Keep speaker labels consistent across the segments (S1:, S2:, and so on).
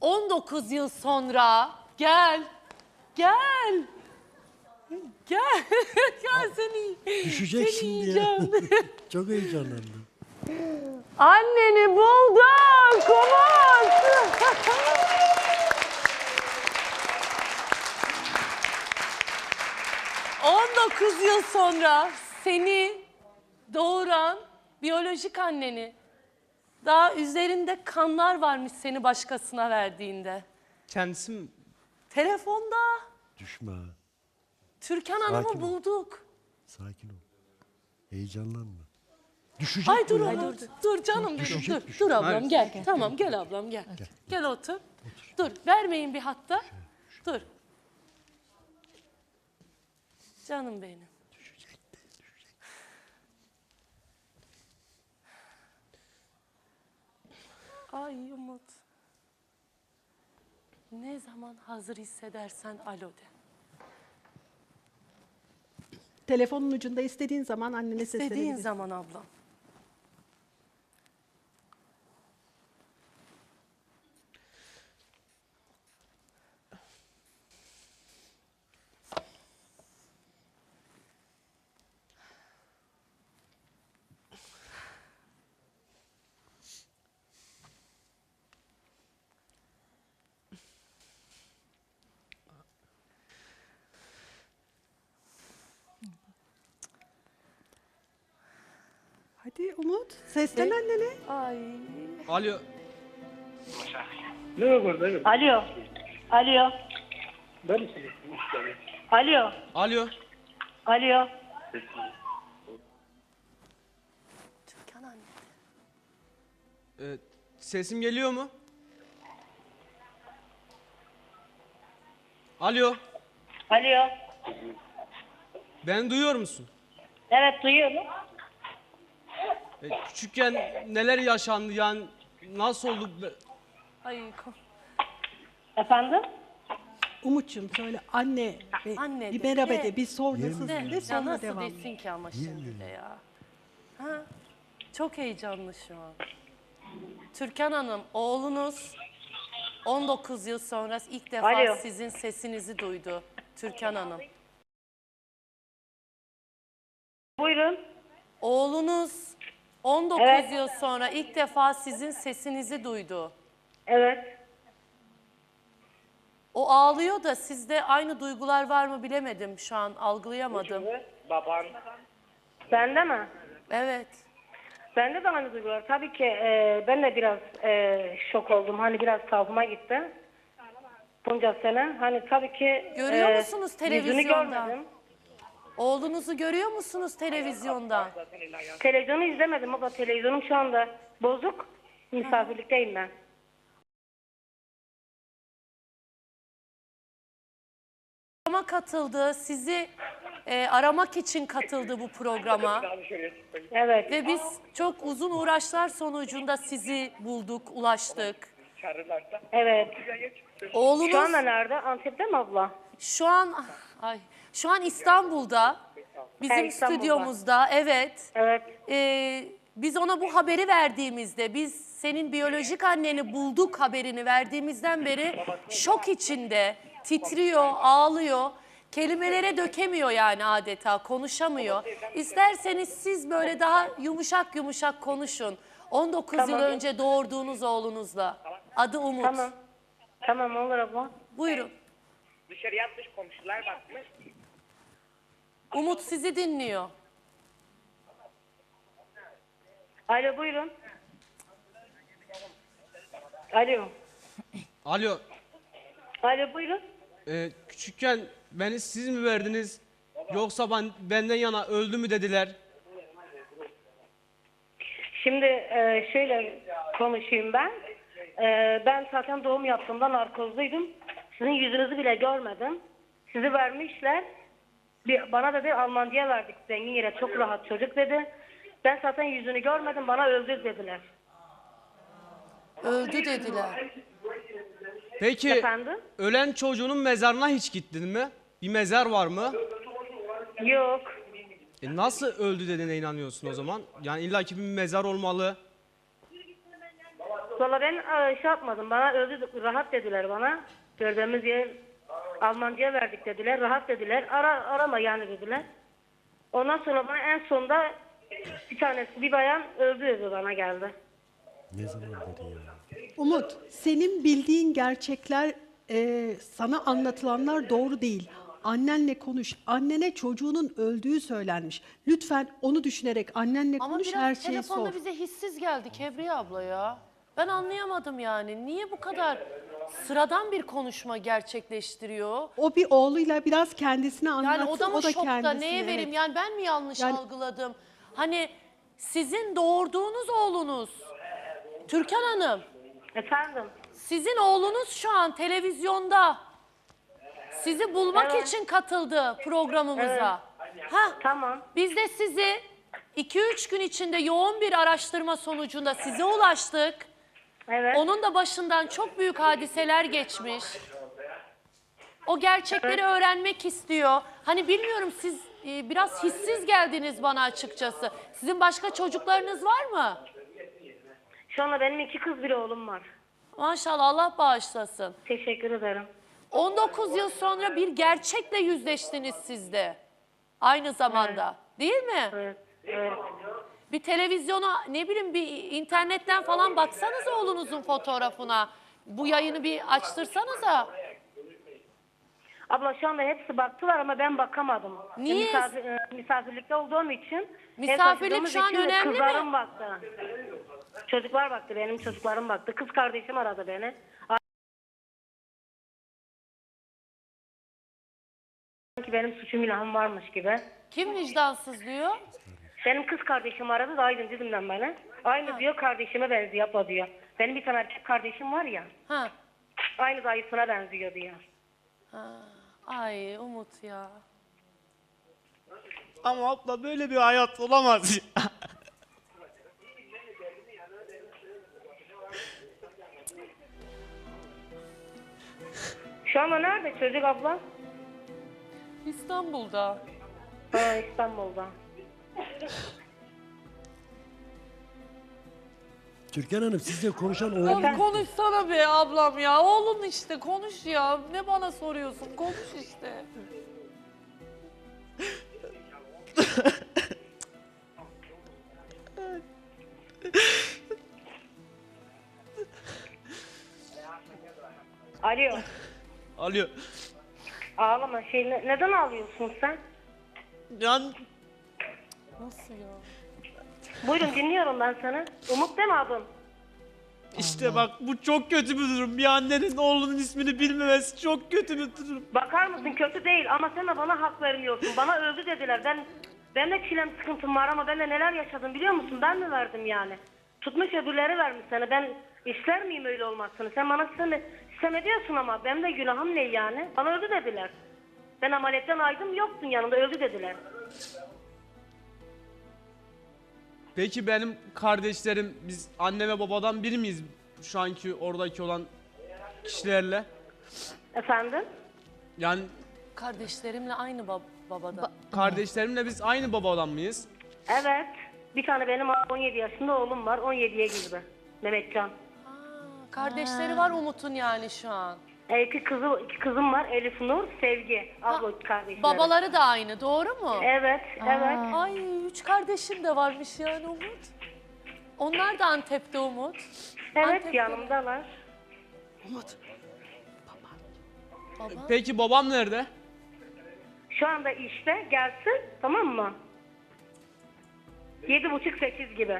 S1: 19 yıl sonra gel. Gel. Gel. Gel seni.
S2: Düşeceksin
S1: seni
S2: diye.
S1: yiyeceğim.
S2: Çok heyecanlandım.
S1: Anneni bulduk. Umut. 19 yıl sonra seni doğuran biyolojik anneni, daha üzerinde kanlar varmış seni başkasına verdiğinde.
S3: Kendisi mi?
S1: Telefonda
S2: Düşme ha.
S1: Türkan
S2: Sakin
S1: Hanım'ı
S2: ol.
S1: bulduk.
S2: Sakin ol. Heyecanlanma. Düşecek
S1: Ay dur
S2: bu ya.
S1: Umut, dur canım benim,
S2: Düşecek,
S1: dur.
S2: düşecek.
S1: Dur ablam
S3: Hayır.
S1: gel. Tamam gel ablam gel. Gel otur. Dur, vermeyin bir hatta. Dur. Canım benim. Ay Umut. Ne zaman hazır hissedersen alo de.
S4: Telefonun ucunda istediğin zaman annene
S1: İstediğin
S4: seslenebilirsin.
S1: zaman ablam.
S4: Hadi Umut, seslen annene.
S1: Ay.
S3: Alo.
S5: Alo. Alo. Alo.
S3: Alo.
S5: Alo.
S1: Türkan anne.
S3: Sesim geliyor mu? Alo.
S5: Alo.
S3: Beni duyuyor musun?
S5: Evet duyuyorum.
S3: Küçükken neler yaşandı yani nasıl oldu?
S1: Ay.
S5: Efendim?
S4: Umut'cum söyle anne,
S1: Anne
S4: bir
S1: de,
S4: merhaba
S1: de.
S4: de, bir sor nasılsın
S1: De,
S4: de
S1: ya
S4: sonra
S1: nasıl
S4: devam.
S1: desin ki ama şimdi de ya. Ha? Çok heyecanlı şu an. Türkan Hanım, oğlunuz 19 yıl sonra ilk defa
S5: Alo.
S1: sizin sesinizi duydu. Türkan Hanım.
S5: Buyurun.
S1: Oğlunuz 19
S5: Evet.
S1: yıl sonra ilk defa sizin sesinizi duydu.
S5: Evet.
S1: O ağlıyor da sizde aynı duygular var mı bilemedim şu an, algılayamadım.
S5: Bende mi?
S1: Evet.
S5: Bende de aynı duygular. Tabii ki ben de biraz şok oldum. Hani biraz savuma gitti. Bunca sene. Hani tabii ki
S1: Görüyor musunuz
S5: yüzünü
S1: televizyonda?
S5: görmedim.
S1: Oğlunuzu görüyor musunuz televizyonda?
S5: Televizyonu izlemedim ama televizyonum şu anda bozuk. Misafirlikteyim ben.
S1: Programa katıldı, sizi aramak için katıldı bu programa.
S5: Evet.
S1: Ve biz çok uzun uğraşlar sonucunda sizi bulduk, ulaştık.
S5: Evet.
S1: Oğlunuz
S5: Şu anda nerede? Antep'te mi abla?
S1: şu an İstanbul'da, bizim
S5: İstanbul'da.
S1: stüdyomuzda, evet.
S5: Evet.
S1: Biz ona bu haberi verdiğimizde, biz senin biyolojik anneni bulduk haberini verdiğimizden beri şok içinde, titriyor, ağlıyor. Kelimelere dökemiyor yani adeta, konuşamıyor. İsterseniz siz böyle daha yumuşak yumuşak konuşun. 19 yıl
S5: Tamam.
S1: önce doğurduğunuz oğlunuzla. Adı Umut.
S5: Tamam. Tamam olur abla.
S1: Buyurun.
S6: Dışarı yatmış komşular bakmış.
S1: Umut sizi dinliyor.
S5: Alo buyurun. Alo.
S3: Alo.
S5: Alo buyurun.
S3: Küçükken beni siz mi verdiniz? Yoksa benden yana öldü mü dediler?
S5: Şimdi şöyle konuşayım ben. Ben zaten doğum yaptığımda narkozluydum. Sizin yüzünüzü bile görmedim. Sizi vermişler. Bana dedi Almancı'ya verdik zengin yere, çok rahat çocuk dedi. Ben zaten yüzünü görmedim, bana öldü dediler.
S1: Öldü dediler.
S3: Peki
S5: Efendim?
S3: ölen çocuğunun mezarına hiç gittin mi? Bir mezar var mı?
S5: Yok.
S3: Nasıl öldü dediğine inanıyorsun o zaman? Yani illaki bir mezar olmalı.
S5: Valla ben şey yapmadım. Bana öldü, rahat dediler bana. Gördüğümüz yer Almancıya verdik dediler. Rahat dediler. Arama yani dediler. Ondan sonra bana en sonunda bir bayan öldü dedi bana geldi.
S2: Ne zaman beri ya?
S4: Umut, senin bildiğin gerçekler, sana anlatılanlar doğru değil. Annenle konuş. Annene çocuğunun öldüğü söylenmiş. Lütfen onu düşünerek annenle
S1: Ama
S4: konuş,
S1: biraz
S4: her şeyi
S1: telefonda
S4: sor.
S1: bize hissiz geldi Kebriye abla ya. Ben anlayamadım yani. Niye bu kadar sıradan bir konuşma gerçekleştiriyor?
S4: O bir oğluyla biraz kendisine anlatsın,
S1: Yani o da mı şokta?
S4: kendisine,
S1: Neye
S4: evet.
S1: vereyim? Yani ben mi yanlış
S4: Yani-
S1: algıladım? Hani sizin doğurduğunuz oğlunuz Türkan Hanım,
S5: Efendim?
S1: sizin oğlunuz şu an televizyonda sizi bulmak
S5: Evet.
S1: için katıldı programımıza. Ha,
S5: Tamam.
S1: biz de sizi 2-3 gün içinde yoğun bir araştırma sonucunda size ulaştık.
S5: Evet.
S1: Onun da başından çok büyük hadiseler geçmiş. O gerçekleri öğrenmek istiyor. Hani bilmiyorum, siz biraz hissiz geldiniz bana açıkçası. Sizin başka çocuklarınız var mı?
S5: Şu anda benim 2 kız bir oğlum var.
S1: Maşallah, Allah bağışlasın.
S5: Teşekkür ederim.
S1: 19 yıl sonra bir gerçekle yüzleştiniz siz de. Aynı zamanda. Değil mi?
S5: Evet. Evet.
S1: Bir televizyona, ne bileyim, bir internetten falan baksanız oğlunuzun fotoğrafına. Bu yayını bir açtırsanıza.
S5: Abla şu anda hepsi baktılar ama ben bakamadım.
S1: Niye?
S5: Misafirlikte olduğum için.
S1: Misafirlik şu an
S5: için de
S1: önemli mi?
S5: Kızlarım baktı. Çocuklar baktı, benim çocuklarım baktı. Kız kardeşim aradı beni. Sanki benim suçum günahım varmış gibi.
S1: Kim vicdansız diyor?
S5: Benim kız kardeşim aradı da Aydın Didim'den bana. Aynı diyor, kardeşime benziyor abla diyor. Benim bir tane erkek kardeşim var ya.
S1: Ha.
S5: Aynı dayısına benziyor diyor.
S1: Ay Umut ya.
S3: Ama abla böyle bir hayat olamaz.
S5: Şu anda nerede çocuk abla?
S1: İstanbul'da.
S5: Ha, İstanbul'da.
S2: Türkan Hanım, sizle konuşan oğlum.
S1: Oğlum konuşsana be ablam ya. Oğlun işte, konuş ya. Ne bana soruyorsun? Konuş işte.
S5: Alo.
S3: Alıyor.
S5: Ağlama. Neden ağlıyorsun sen?
S3: Yani
S1: Nasıl ya?
S5: Buyurun, dinliyorum ben seni. Umut değil mi adın?
S3: işte bak, bu çok kötü bir durum. Bir annenin oğlunun ismini bilmemesi çok kötü bir durum.
S5: Bakar mısın, kötü değil ama sen de bana hak vermiyorsun. Bana öldü dediler. Ben de çilem sıkıntım var ama ben de neler yaşadım biliyor musun? Ben mi verdim yani? Tutmuş öbürleri vermiş sana. Ben ister miyim öyle olmasını? Sen bana sistem ediyorsun ama benim de günahım ne yani? Bana öldü dediler. Ben ameliyetten aydım, yoktun yanımda, öldü dediler.
S3: Peki benim kardeşlerim, biz anne ve babadan biri miyiz şu anki oradaki olan kişilerle?
S5: Efendim?
S3: Yani
S1: Kardeşlerimle aynı babada.
S3: kardeşlerimle biz aynı babadan mıyız?
S5: Evet. Bir tane benim 17 yaşında oğlum var. 17'ye girdi. Mehmetcan.
S1: Kardeşleri var Umut'un yani şu an.
S5: İki kızım var. Elif Nur, Sevgi. Abla kardeşleri.
S1: Babaları da aynı, doğru mu?
S5: Evet, evet.
S1: Ay 3 kardeşim de varmış yani Umut. Onlar da Antep'te Umut.
S5: Evet,
S1: Antep'te.
S5: yanımdalar.
S4: Umut,
S1: Baba.
S3: Peki babam nerede?
S5: Şu anda işte, gelsin, tamam mı? 7.30-8 gibi.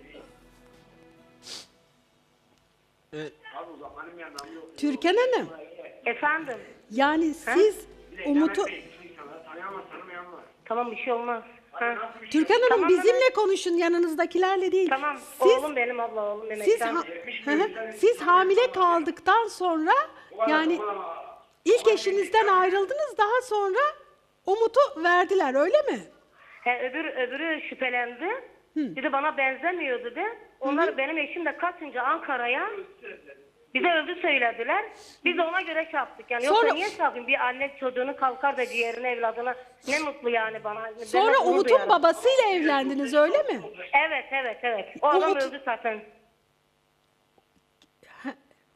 S4: Türkan Hanım,
S5: Efendim?
S4: yani siz Umut'u...
S5: Tamam, bir şey olmaz. Ha.
S4: Türkan Hanım,
S5: Tamam,
S4: bizimle konuşun, yanınızdakilerle değil.
S5: Tamam,
S4: Siz,
S5: oğlum benim, abla oğlum
S4: siz,
S5: Mehmetcan.
S4: siz hamile kaldıktan sonra, yani ilk eşinizden ayrıldınız, daha sonra Umut'u verdiler, öyle mi?
S5: Öbürü şüphelendi. Dedi bana benzemiyor dedi. Onlar benim eşim de kaçınca Ankara'ya bize öldü söylediler. Biz de ona göre şey yaptık. Yani
S4: Sonra-
S5: yoksa niye şey yapayım? Bir anne çocuğunu kalkar da ciğerini evladına, ne mutlu yani bana. Ben de
S4: Sonra
S5: gurur
S4: Umut'un
S5: duyarım.
S4: babasıyla evlendiniz, öyle mi?
S5: Evet. O adam
S4: Umut-
S5: öldü zaten.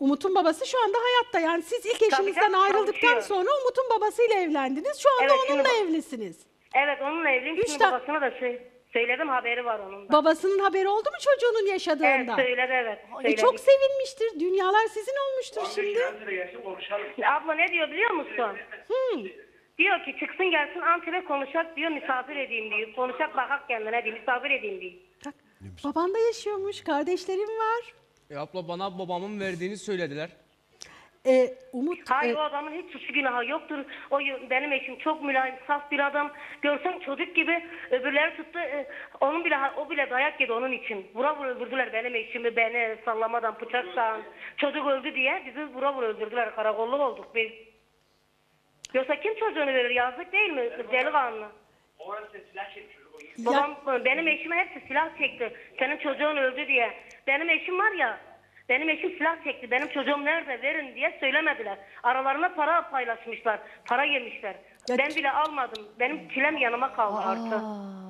S4: Umut'un babası şu anda hayatta. Yani siz ilk eşinizden
S5: canım,
S4: ayrıldıktan
S5: çalışıyor.
S4: sonra Umut'un babasıyla evlendiniz. Şu anda
S5: Evet, şimdi
S4: onunla
S5: bak-
S4: evlisiniz.
S5: Evet onunla evliyim.
S4: Üç
S5: Şimdi
S4: tane-
S5: babasına da söyledim, haberi var onun da.
S4: Babasının haberi oldu mu çocuğunun
S5: Evet
S4: yaşadığında?
S5: söyledi, evet.
S4: Çok
S5: söyledik.
S4: sevinmiştir. Dünyalar sizin olmuştur şimdi.
S5: Abla ne diyor biliyor musun? Diyor ki çıksın gelsin Antep'e konuşak diyor, misafir edeyim diyor. Konuşak bakak kendine diyor, misafir edeyim diyor.
S4: Bak, baban da yaşıyormuş. Kardeşlerim var.
S3: Abla bana babamın verdiğini söylediler.
S4: Umut
S5: Hayır o adamın hiç suçu günahı yoktur. Benim eşim çok mülayim, saf bir adam. Görsen çocuk gibi, öbürleri tuttu. O bile dayak yedi onun için. Vura vura öldürdüler benim eşimi, beni sallamadan, bıçaktan. Çocuk öldü diye bizi vura vura öldürdüler. Karakolluk olduk biz. Yoksa kim çocuğunu verir? Yazık değil mi? Delikanlı. Babam, benim eşime hepsi silah çekti. Senin çocuğun öldü diye. Benim eşim var ya, benim eşim silah çekti. Benim çocuğum nerede verin diye söylemediler. Aralarına para paylaşmışlar. Para yemişler.
S4: Ya
S5: Ben bile almadım. Benim çilem yanıma kaldı artık.